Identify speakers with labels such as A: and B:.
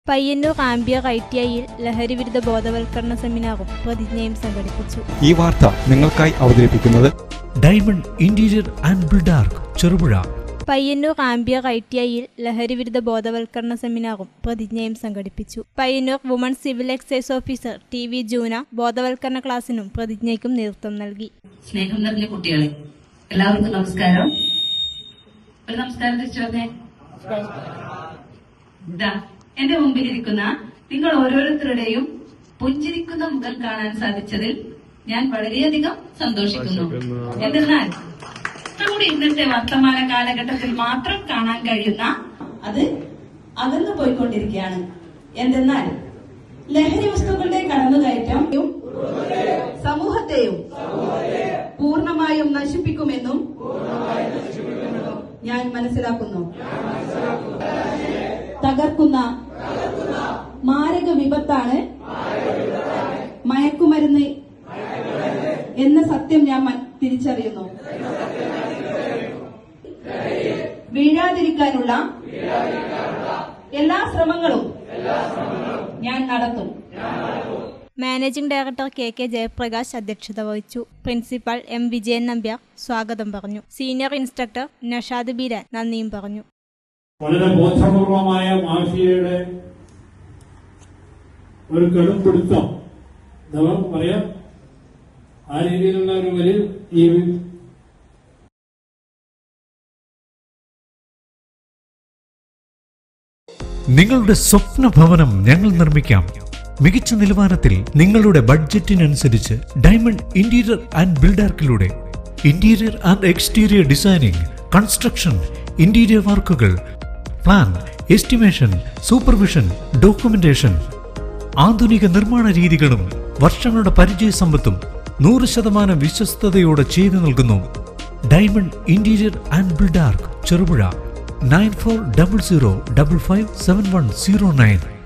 A: പയ്യന്നൂർ ആംബിയർ ITIയിൽ ലഹരിവിരുദ്ധ ബോധവൽക്കരണ സെമിനാറും പ്രതിജ്ഞയും സംഘടിപ്പിച്ചു.
B: ഈ വാർത്ത നിങ്ങൾക്കായി അവതരിപ്പിക്കുന്നത്
C: diamond interior and Buildark Cherupuzha.
A: Payyanur ആംബിയർ ITIയിൽ ലഹരിവിരുദ്ധ ബോധവൽക്കരണ സെമിനാറും പ്രതിജ്ഞയും സംഘടിപ്പിച്ചു. Payyanur women's civil excise officer TV ജൂന ബോധവൽക്കരണ ക്ലാസിനും പ്രതിജ്ഞയ്ക്കും നേതൃത്വം നൽകി.
D: സ്നേഹം നിറഞ്ഞ കുട്ടികളെ, എല്ലാവർക്കും നമസ്കാരം. ഒരു നമസ്കാരം തിരിച്ചു വന്നേ. എന്റെ മുമ്പിലിരിക്കുന്ന നിങ്ങൾ ഓരോരുത്തരുടെയും പുഞ്ചിരിക്കുന്ന മുഖം കാണാൻ സാധിച്ചതിൽ ഞാൻ വളരെയധികം സന്തോഷിക്കുന്നു. എന്തെന്നാൽ നമ്മുടെ ഇന്നത്തെ വർത്തമാന കാലഘട്ടത്തിൽ മാത്രം കാണാൻ കഴിയുന്ന അത് അകന്നു പോയിക്കൊണ്ടിരിക്കുകയാണ്. എന്തെന്നാൽ ലഹരി വസ്തുക്കളുടെ കടന്നുകയറ്റം സമൂഹത്തെയും പൂർണ്ണമായും നശിപ്പിക്കുമെന്നും ഞാൻ മനസ്സിലാക്കുന്നു. തകർക്കുന്ന മാരക വിപത്താണ് മയക്കുമരുന്ന് എന്ന സത്യം ഞാൻ തിരിച്ചറിയുന്നു. വീഴാതിരിക്കാനുള്ള എല്ലാ ശ്രമങ്ങളും ഞാൻ നടത്തും.
A: മാനേജിംഗ് ഡയറക്ടർ KK ജയപ്രകാശ് അധ്യക്ഷത വഹിച്ചു. പ്രിൻസിപ്പൽ M വിജയൻ നമ്പ്യാർ സ്വാഗതം പറഞ്ഞു. സീനിയർ ഇൻസ്ട്രക്ടർ നഷാദ് ബീരാൻ നന്ദിയും പറഞ്ഞു.
E: വളരെ ബോധപൂർവമായ മാഫിയയുടെ ഒരു കടുംപിടുത്തം നമുക്ക് പറയാം. ആ രീതിയിലുള്ള ഒരു വലിയ ഈ
C: നിങ്ങളുടെ സ്വപ്ന ഭവനം ഞങ്ങൾ നിർമ്മിക്കാം. മികച്ച നിലവാരത്തിൽ നിങ്ങളുടെ ബഡ്ജറ്റിനനുസരിച്ച് ഡയമണ്ട് ഇന്റീരിയർ ആൻഡ് ബിൽഡാർക്കിലൂടെ interior and exterior designing, construction, interior വർക്കുകൾ, പ്ലാൻ, എസ്റ്റിമേഷൻ, സൂപ്പർവിഷൻ, ഡോക്യുമെന്റേഷൻ, ആധുനിക നിർമ്മാണ രീതികളും വർഷങ്ങളുടെ പരിചയസമ്പത്തും 100% വിശ്വസ്തയോടെ ചെയ്തു നൽകുന്നു. Diamond interior and Buildark Cherupuzha. 9400557109.